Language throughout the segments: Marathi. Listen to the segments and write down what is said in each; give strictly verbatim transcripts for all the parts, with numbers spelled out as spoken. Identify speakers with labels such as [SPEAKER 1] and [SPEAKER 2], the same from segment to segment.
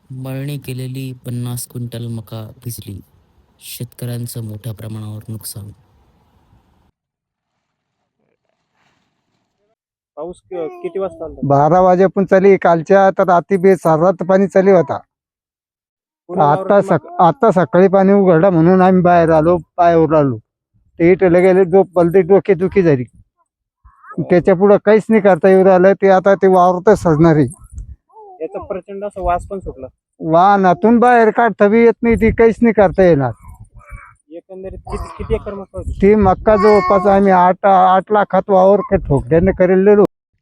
[SPEAKER 1] मळणी केलेली पन्नास क्विंटल मका भिजली. शेतकऱ्यांचं मोठ्या प्रमाणावर नुकसान.
[SPEAKER 2] पाऊस क- किती वाजता आलता?
[SPEAKER 3] बारा वाजेपून चाली कालच्या तर रात्री बे सारात पाणी चालू होता.
[SPEAKER 2] पूर्ण
[SPEAKER 3] आता
[SPEAKER 2] वावरात
[SPEAKER 3] सक
[SPEAKER 2] मका-
[SPEAKER 3] आता सकाळी पाणी उघडलं म्हणून आम्ही बाहेर आलो, पायावर आलो. ते इटले गेले जो पलते डोके दुखी झाली. त्याच्या पुढे काहीच नाही करता येऊ राहिलं. ते आता ते वावरतच सजणार आहे.
[SPEAKER 2] याचा प्रचंड असा वास पण सुटला.
[SPEAKER 3] वाहनातून बाहेर काढता बी येत नाही, ती काहीच नाही करता येणार.
[SPEAKER 2] एकंदरीत किती किती एकर मका होती?
[SPEAKER 3] ती मक्का जवळपास आम्ही आठ आठ लाखात वावर का ठोकड्याने करेलेलो.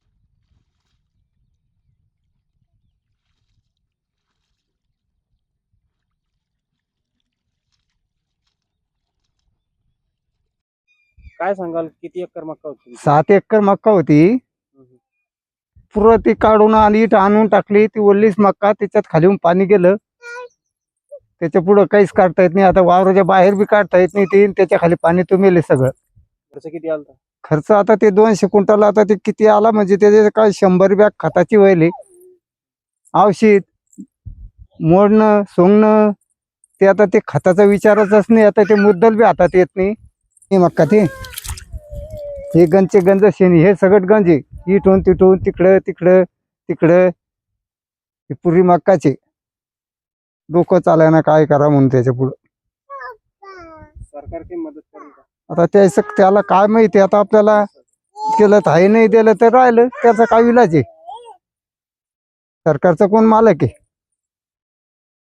[SPEAKER 2] काय सांगाल किती एकर मका होती?
[SPEAKER 3] सात एकर मक्का होती.
[SPEAKER 2] हम्म.
[SPEAKER 3] पुरं ती काढून आणि इथं आणून टाकली. ती ओलीच मक्का, त्याच्यात खाली पाणी गेलं. त्याच्या पुढं काहीच काढता येत नाही. आता वावराच्या बाहेर बी काढता येत नाही. ते त्याच्या खाली पाणी तुंबेले सगळं.
[SPEAKER 2] खर्च किती आलता?
[SPEAKER 3] खर्च आता ते दोनशे क्विंटल आता ते किती आला म्हणजे त्याचे काय शंभर बॅग खताची व्हायली, औषध मोडणं सोंगणं. ते आता ते खताचा विचारच नाही. आता ते मुद्दल बी हातात येत नाही. हे मक्का ते हे गंजचे गंज शेणी हे सगळं गंज आहे. इथून तिथून तिकडं तिकडं तिकडं हे पुरी मक्काचे डोकं चालायना काय करा म्हणून त्याच्या पुढं.
[SPEAKER 2] सरकार काही मदत करेल का?
[SPEAKER 3] आता त्याचं त्याला काय माहिती. आता आपल्याला केलं तर आहे, नाही दिलं तर राहिलं. त्याचा काय इलाज आहे. सरकारचा कोण मालक आहे?